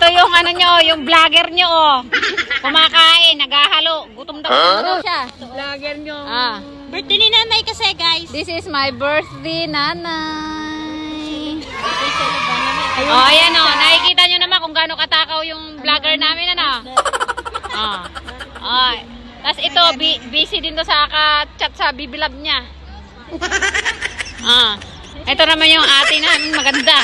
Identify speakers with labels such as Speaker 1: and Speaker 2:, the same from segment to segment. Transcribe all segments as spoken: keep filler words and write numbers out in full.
Speaker 1: yung ano nyo, yung vlogger nyo, oh. Kumakain, naghahalo. Gutom daw huh? siya.
Speaker 2: Vlogger nyo.
Speaker 1: Ah.
Speaker 2: Birthday ni nanay kasi, guys.
Speaker 1: This is my birthday, nanay. Oh, ayan oh. Nakikita nyo naman kung gaano katakaw yung vlogger namin, ano? Ah. Oh. Tapos ito, busy din to sa ka-chat sa bibilab niya. Ah. Ito naman yung ate namin, maganda.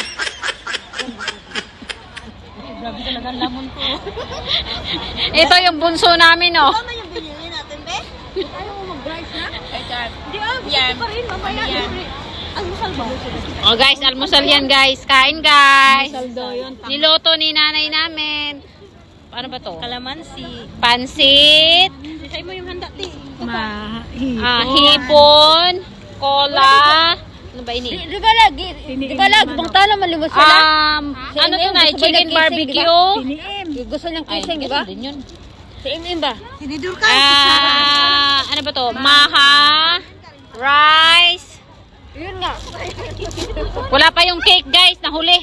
Speaker 2: Grabe talaga ang lamon ko.
Speaker 1: Ito yung bunso namin, oh.
Speaker 2: Ano yung binili natin, be? Ayaw mo mag-drive na? Hindi, ah. Gusto pa rin, mamaya. Almusal ba?
Speaker 1: Oh, guys, almusal yan, guys. Kain, guys.
Speaker 2: Almusal daw yun.
Speaker 1: Niloto ni nanay namin. Ano ba to?
Speaker 2: Kalamansi.
Speaker 1: Pansit.
Speaker 2: Isay mo yung handa, ti.
Speaker 1: Ma ah, hipon. Cola. Ano ba ini?
Speaker 2: Di ba lagi? Di ba lagi? Bang talo malimos sila?
Speaker 1: Um, ano to na? Chicken barbecue.
Speaker 2: Gusto niyang kising, di ba?
Speaker 1: Din yun.
Speaker 2: Si Im-Im ba? Sinidur ka?
Speaker 1: Ah, ano ba to? Maha. Rice.
Speaker 2: Yun nga.
Speaker 1: Wala pa yung cake, guys. Nahuli.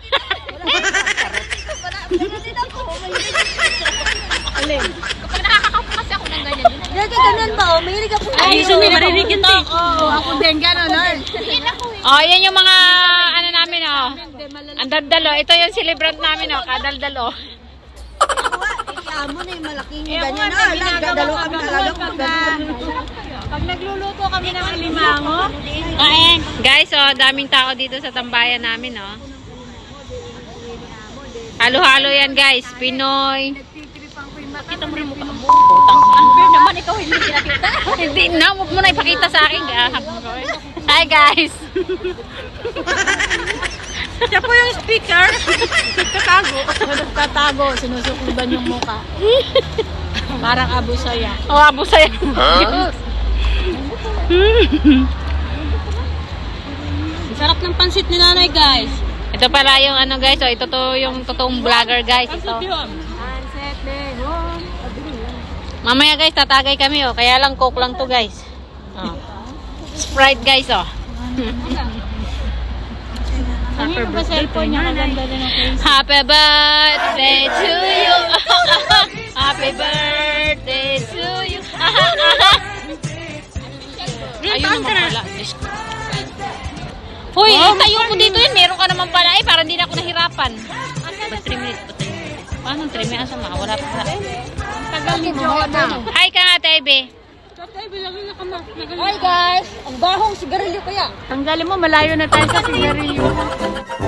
Speaker 2: Alin?
Speaker 1: Kapag nakakakapo kasi ako ng ganyan.
Speaker 2: Lagi ganun ba? O, mahilig ako.
Speaker 1: Ay,
Speaker 2: gusto
Speaker 1: yun,
Speaker 2: mo marinig yun, ti.
Speaker 1: Oo,
Speaker 2: ako din gano'n, no?
Speaker 1: Oh, yan yung mga ano namin, oh. Ang daldalo. Ito yung celebrant namin, oh. Kadaldalo.
Speaker 2: Amo na yung malaking ganyan. Ah, nagdadalo kami talaga. Pag nagluluto kami ng alimango.
Speaker 1: Kain. Guys, oh, daming tao dito sa tambayan namin, oh. Halo-halo yan, guys. Pinoy.
Speaker 2: Kita mo rin mukha mo. Unfair naman, ikaw hindi kinakita.
Speaker 1: Hindi na, huwag mo na ipakita sa akin. Hi, guys.
Speaker 2: Siya po yung speaker. Tatago. Tatago. Sinusukliban yung mukha. Parang Abu Saya.
Speaker 1: Oh, abo sa'yo.
Speaker 2: Sarap ng pansit ni nanay, guys.
Speaker 1: Ito pala yung ano, guys. Oh, ito to yung totoong vlogger, guys. Ito.
Speaker 2: Pansit behon.
Speaker 1: Mamaya, guys, tatagay kami, oh. Kaya lang coke lang to, guys. Oh. Sprite, guys, oh.
Speaker 2: Happy birthday po niya.
Speaker 1: Happy birthday to you. Happy birthday to you. Ayun naman pala. Hoy, oh, tayo mo dito yun. Meron ka naman pala eh. Parang hindi na ako nahirapan. Ba't three minutes? Ba't three minutes? Paano three minutes? Asa wala pa pala.
Speaker 2: Tagal ni Joanna.
Speaker 1: Hi ka nga, Tebe.
Speaker 2: Hi guys! Ang bahong sigarilyo kaya. Tanggalin mo, malayo na tayo sa sigarilyo.